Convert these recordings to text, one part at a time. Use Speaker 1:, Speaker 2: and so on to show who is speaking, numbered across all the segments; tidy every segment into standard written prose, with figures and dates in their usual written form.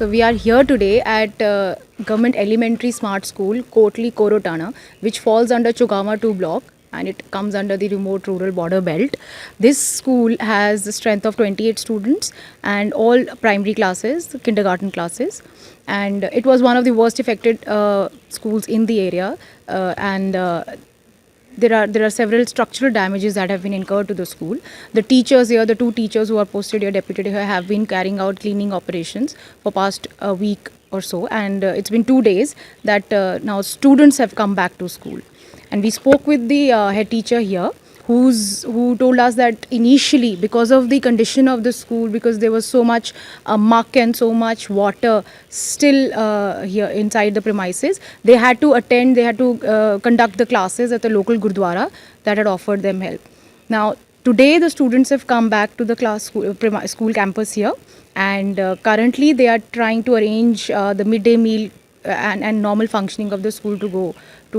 Speaker 1: So we are here today at Government Elementary Smart School, Kotli Korotana, which falls under Chugama 2 block and it comes under the remote rural border belt. This school has the strength of 28 students and all primary classes, kindergarten classes. And it was one of the worst affected schools in the area. There are several structural damages that have been incurred to the school. The teachers here, the two teachers who are posted here, deputed here, have been carrying out cleaning operations for past a week or so, and it's been 2 days that now students have come back to school. And we spoke with the head teacher here, who told us that initially, because of the condition of the school, because there was so much muck and so much water still here inside the premises, they had to conduct the classes at the local gurdwara that had offered them help. Now, today the students have come back to the school campus here, and currently they are trying to arrange the midday meal and normal functioning of the school to go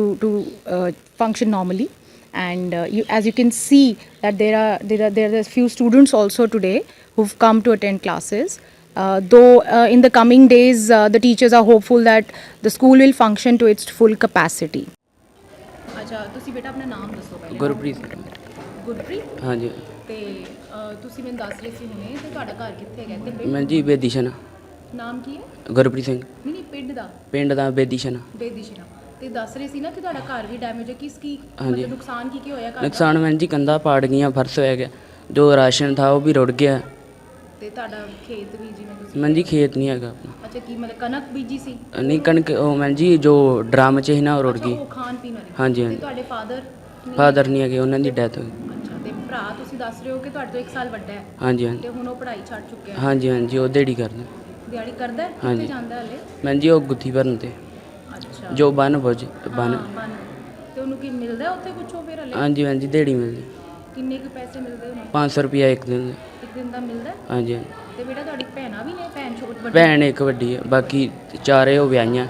Speaker 1: to function normally. And as you can see that there are a few students also today who've come to attend classes. Though in the coming days the teachers are hopeful that the school will function to its full capacity. अच्छा ਤੁਸੀਂ ਬੇਟਾ ਆਪਣਾ ਨਾਮ ਦੱਸੋ ਪਹਿਲੇ।
Speaker 2: ਗੁਰਪ੍ਰੀਤ
Speaker 1: ਗੁਰਪ੍ਰੀਤ
Speaker 2: ਹਾਂਜੀ
Speaker 1: ਤੇ ਤੁਸੀਂ ਮੈਨੂੰ ਦੱਸ ਰਹੇ ਸੀ ਹੁਣੇ ਤੇ ਤੁਹਾਡਾ ਘਰ ਕਿੱਥੇ ਹੈਗਾ ਤੇ
Speaker 2: ਮੈਂ ਜੀ ਬੇਦੀਸ਼ਨ
Speaker 1: ਨਾਮ ਕੀ ਹੈ?
Speaker 2: ਗੁਰਪ੍ਰੀਤ ਸਿੰਘ
Speaker 1: ਨਹੀਂ
Speaker 2: ਪਿੰਡ ਦਾ ਬੇਦੀਸ਼ਨ
Speaker 1: ਬੇਦੀਸ਼ਨਾ ਤੇ ਦੱਸ ਰਹੇ ਸੀ ਨਾ ਕਿ ਤੁਹਾਡਾ ਘਰ ਵੀ ਡੈਮੇਜ ਹੈ ਕੀ
Speaker 2: ਹਾਂਜੀ।
Speaker 1: ਨੁਕਸਾਨ ਕੀ ਹੋਇਆ ਘਰ ਦਾ?
Speaker 2: ਨੁਕਸਾਨ ਮੈਂ ਜੀ ਕੰਧਾਂ ਪਾੜ ਗਈਆਂ ਫਰਸ਼ ਹੋਇਆ ਗਿਆ ਜੋ ਰਾਸ਼ਨ ਥਾ ਉਹ ਵੀ ਰੁੜ ਗਿਆ
Speaker 1: ਤੇ ਤੁਹਾਡਾ ਖੇਤ ਵੀ ਜਿਵੇਂ ਤੁਸੀਂ
Speaker 2: ਮੈਂ ਜੀ ਖੇਤ ਨਹੀਂ ਹੈਗਾ ਆਪਣਾ
Speaker 1: ਅੱਛਾ ਕੀ ਮਤਲਬ ਕਣਕ ਬੀਜੀ ਸੀ?
Speaker 2: ਨਹੀਂ ਕਣਕ ਉਹ ਮੈਂ ਜੀ ਜੋ ਡਰਮ 'ਚ ਸੀ ਨਾ ਉਹ ਰੁੜ
Speaker 1: ਅੱਛਾ,
Speaker 2: ਗਈ
Speaker 1: ਉਹ ਖਾਣ ਪੀਣ ਵਾਲੀ।
Speaker 2: ਹਾਂਜੀ
Speaker 1: ਤੇ
Speaker 2: ਹਾਂਜੀ
Speaker 1: ਤੁਹਾਡੇ
Speaker 2: ਫਾਦਰ ਨਹੀਂ ਹੈਗੇ ਉਹਨਾਂ ਦੀ ਡੈਥ ਹੋ ਗਈ
Speaker 1: ਅੱਛਾ ਤੇ ਭਰਾ ਤੁਸੀਂ ਦੱਸ ਰਹੇ ਹੋ ਕਿ ਤੁਹਾਡੇ ਤੋਂ 1 ਸਾਲ ਵੱਡਾ ਹੈ
Speaker 2: ਹਾਂਜੀ
Speaker 1: ਤੇ
Speaker 2: ਹਾਂਜੀ
Speaker 1: ਹੁਣ ਉਹ ਪੜ੍ਹਾਈ ਛੱਡ ਚੁੱਕਿਆ ਹੈ।
Speaker 2: ਹਾਂਜੀ ਹਾਂਜੀ ਉਹ ਦਿਹਾੜੀ ਕਰਦੇ
Speaker 1: ਦਿਹਾੜੀ ਕਰਦਾ ਹੈ? ਕਿੱਥੇ
Speaker 2: ਹਾਂਜੀ।
Speaker 1: ਜਾਂਦਾ ਹਲੇ?
Speaker 2: ਮੈਂ ਜੀ ਉਹ ਗੁੱਥੀ ਭਰਨ ਤੇ
Speaker 1: ਅੱਛਾ
Speaker 2: ਜੋ ਬਨ
Speaker 1: ਬਨ ਤੇ ਉਹਨੂੰ ਕੀ ਮਿਲਦਾ ਹੈ ਉੱਥੇ ਕੁਛੋਂ ਫਿਰ ਹਲੇ?
Speaker 2: ਹਾਂਜੀ ਹਾਂਜੀ ਦਿਹਾੜੀ ਮਿਲਦੀ
Speaker 1: ਕਿੰਨੇ ਕੁ ਪੈਸੇ ਮਿਲਦੇ ਉਹਨੂੰ?
Speaker 2: 500 ਰੁਪਇਆ ਇੱਕ ਦਿਨ ਦੇ।
Speaker 1: ਇੱਕ ਦਿਨ ਦਾ ਮਿਲਦਾ ਹੈ?
Speaker 2: ਹਾਂਜੀ ਹਾਂਜੀ
Speaker 1: ਤੇ ਬੇਟਾ ਤੁਹਾਡੀ ਭੈਣਾਂ ਵੀ ਨੇ? ਭੈਣ ਛੋਟੀ ਵੱਡੀ?
Speaker 2: ਭੈਣ ਇੱਕ ਵੱਡੀ ਹੈ ਬਾਕੀ ਚਾਰੇ ਉਹ ਵਿਆਹੀਆਂ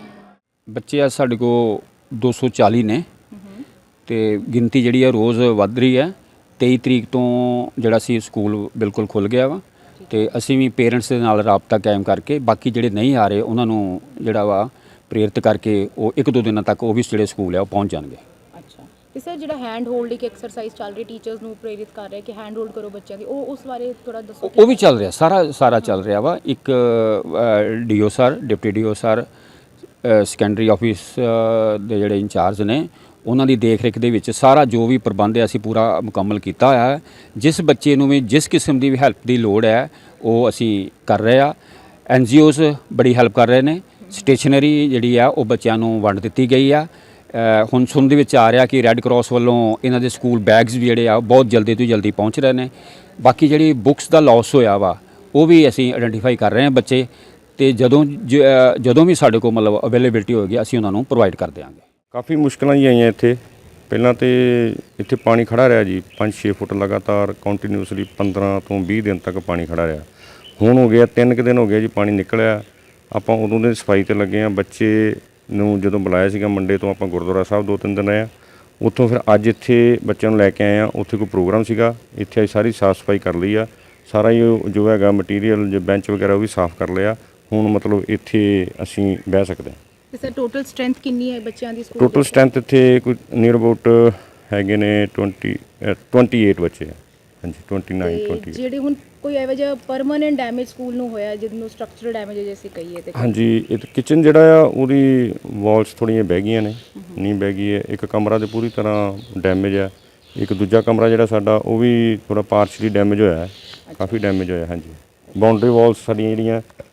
Speaker 3: ਬੱਚੇ ਆ ਸਾਡੇ ਕੋਲ 240 ਨੇ ਤੇ ਗਿਣਤੀ ਜਿਹੜੀ ਆ ਰੋਜ਼ ਵੱਧ ਰਹੀ ਹੈ। 23 ਤਰੀਕ ਤੋਂ ਜਿਹੜਾ ਸੀ ਸਕੂਲ ਬਿਲਕੁਲ ਖੁੱਲ ਗਿਆ ਵਾ ਤੇ ਅਸੀਂ ਵੀ ਪੇਰੈਂਟਸ ਦੇ ਨਾਲ ਰਾਬਤਾ ਕਾਇਮ ਕਰਕੇ ਬਾਕੀ ਜਿਹੜੇ ਨਹੀਂ ਆ ਰਹੇ ਉਹਨਾਂ ਨੂੰ ਜਿਹੜਾ ਵਾ ਪ੍ਰੇਰਿਤ ਕਰਕੇ ਉਹ 1-2 ਦਿਨਾਂ ਤੱਕ ਉਹ ਵੀ ਜਿਹੜੇ ਸਕੂਲ ਆ ਉਹ ਪਹੁੰਚ ਜਾਣਗੇ।
Speaker 1: ਅੱਛਾ ਤੇ ਸਰ ਜਿਹੜਾ ਹੈਂਡ ਹੋਲਡ ਇੱਕ ਐਕਸਰਸਾਈਜ਼ ਚੱਲ ਰਹੀ ਟੀਚਰਸ ਨੂੰ ਪ੍ਰੇਰਿਤ ਕਰ ਰਿਹਾ ਕਿ ਹੈਂਡ ਹੋਲਡ ਕਰੋ ਬੱਚਿਆਂ ਦੀ, ਉਹ ਉਸ ਬਾਰੇ ਥੋੜਾ ਦੱਸੋ।
Speaker 3: ਉਹ ਵੀ ਚੱਲ ਰਿਹਾ ਸਾਰਾ ਚੱਲ ਰਿਹਾ ਵਾ। ਇੱਕ DO sir deputy DO sir secondary office ਦੇ ਜਿਹੜੇ ਇੰਚਾਰਜ ਨੇ ਉਹਨਾਂ ਦੀ ਦੇਖ ਰੇਖ ਦੇ ਵਿੱਚ ਸਾਰਾ ਜੋ ਵੀ ਪ੍ਰਬੰਧ ਹੈ ਅਸੀਂ ਪੂਰਾ ਮੁਕੰਮਲ ਕੀਤਾ ਹੋਇਆ ਹੈ। ਜਿਸ ਬੱਚੇ ਨੂੰ ਵੀ ਜਿਸ ਕਿਸਮ ਦੀ ਵੀ ਹੈਲਪ ਦੀ ਲੋੜ ਹੈ ਉਹ ਅਸੀਂ ਕਰ ਰਹੇ ਆ। NGOs ਬੜੀ ਹੈਲਪ ਕਰ ਰਹੇ ਨੇ। ਸਟੇਸ਼ਨਰੀ ਜਿਹੜੀ ਆ ਉਹ ਬੱਚਿਆਂ ਨੂੰ ਵੰਡ ਦਿੱਤੀ ਗਈ ਆ। ਹੁਣ ਸੁਣਨ ਦੇ ਵਿੱਚ ਆ ਰਿਹਾ ਕਿ ਰੈੱਡ ਕਰਾਸ ਵੱਲੋਂ ਇਹਨਾਂ ਦੇ ਸਕੂਲ ਬੈਗਸ ਵੀ ਜਿਹੜੇ ਆ ਬਹੁਤ ਜਲਦੀ ਤੋਂ ਜਲਦੀ ਪਹੁੰਚ ਰਹੇ ਨੇ। ਬਾਕੀ ਜਿਹੜੀ ਬੁੱਕਸ ਦਾ ਲਾਸ ਹੋਇਆ ਵਾ ਉਹ ਵੀ ਅਸੀਂ ਆਇਡੈਂਟੀਫਾਈ ਕਰ ਰਹੇ ਹਾਂ ਬੱਚੇ ਤੇ ਜਦੋਂ ਵੀ ਸਾਡੇ ਕੋਲ ਮਤਲਬ ਅਵੇਲੇਬਿਲਟੀ ਹੋਏਗੀ ਅਸੀਂ ਉਹਨਾਂ ਨੂੰ ਪ੍ਰੋਵਾਈਡ ਕਰ ਦਿਆਂਗੇ।
Speaker 4: ਕਾਫੀ ਮੁਸ਼ਕਲਾਂ ਜੀ ਆਈਆਂ ਇੱਥੇ। ਪਹਿਲਾਂ ਤੇ ਇੱਥੇ ਪਾਣੀ ਖੜਾ ਰਿਹਾ ਜੀ 5-6 ਫੁੱਟ ਲਗਾਤਾਰ ਕੰਟੀਨਿਊਸਲੀ 15 ਤੋਂ 20 ਦਿਨ ਤੱਕ ਪਾਣੀ ਖੜਾ ਰਿਹਾ। ਹੁਣ ਹੋ ਗਿਆ 3 ਕੁ ਦਿਨ ਹੋ ਗਏ ਜੀ ਪਾਣੀ ਨਿਕਲਿਆ। ਆਪਾਂ ਉਦੋਂ ਦੇ ਸਫਾਈ ਤੇ ਲੱਗੇ ਹਾਂ। ਬੱਚੇ ਨੂੰ ਜਦੋਂ ਬੁਲਾਇਆ ਸੀਗਾ ਮੰਡੇ ਤੋਂ ਆਪਾਂ ਗੁਰਦੁਆਰਾ ਸਾਹਿਬ 2-3 ਦਿਨ ਰਹੇ ਹਾਂ। ਉੱਥੋਂ ਫਿਰ ਅੱਜ ਇੱਥੇ ਬੱਚਿਆਂ ਨੂੰ ਲੈ ਕੇ ਆਏ ਹਾਂ। ਉੱਥੇ ਕੋਈ ਪ੍ਰੋਗਰਾਮ ਸੀਗਾ ਇੱਥੇ ਅਸੀਂ ਸਾਰੀ ਸਾਫ਼ ਸਫਾਈ ਕਰ ਲਈ ਆ। ਸਾਰਾ ਹੀ ਜੋ ਹੈਗਾ ਮਟੀਰੀਅਲ ਜੋ ਬੈਂਚ ਵਗੈਰਾ ਉਹ ਵੀ ਸਾਫ਼ ਕਰ ਲਿਆ। ਹੁਣ ਮਤਲਬ ਇੱਥੇ ਅਸੀਂ ਬਹਿ ਸਕਦੇ ਹਾਂ।
Speaker 1: ਤੇ ਸਰ ਟੋਟਲ ਸਟਰੈਂਥ ਕਿੰਨੀ ਹੈ ਬੱਚਿਆਂ ਦੀ ਸਕੂਲ?
Speaker 4: ਟੋਟਲ ਸਟਰੈਂਥ ਇੱਥੇ ਕੋਈ ਨੀਅਰ ਅਬਾਊਟ ਹੈਗੇ ਨੇ 28 ਬੱਚੇ ਆ। ਹਾਂਜੀ 29-28।
Speaker 1: ਜਿਹੜੇ ਹੁਣ ਕੋਈ ਇਹੋ ਜਿਹਾ ਪਰਮਾਨੈਂਟ ਡੈਮੇਜ ਸਕੂਲ ਨੂੰ ਹੋਇਆ ਜਿਹਨੂੰ ਸਟਰਕਚਰਲ ਡੈਮੇਜ ਜੇ ਅਸੀਂ ਕਹੀਏ ਤੇ?
Speaker 4: ਹਾਂਜੀ ਇਹ ਕਿਚਨ ਜਿਹੜਾ ਆ ਉਹਦੀ ਵਾਲਸ ਥੋੜ੍ਹੀਆਂ ਬਹਿ ਗਈਆਂ ਨੇ, ਨੀਂਹ ਬਹਿ ਗਈ ਹੈ। ਇੱਕ ਕਮਰਾ ਤੇ ਪੂਰੀ ਤਰ੍ਹਾਂ ਡੈਮੇਜ ਆ। ਇੱਕ ਦੂਜਾ ਕਮਰਾ ਜਿਹੜਾ ਸਾਡਾ ਉਹ ਵੀ ਥੋੜ੍ਹਾ ਪਾਰਸ਼ਲੀ ਡੈਮੇਜ ਹੋਇਆ ਹੈ, ਕਾਫੀ ਡੈਮੇਜ ਹੋਇਆ। ਹਾਂਜੀ ਬਾਉਂਡਰੀ ਵਾਲਸ ਸਾਡੀਆਂ ਜਿਹੜੀਆਂ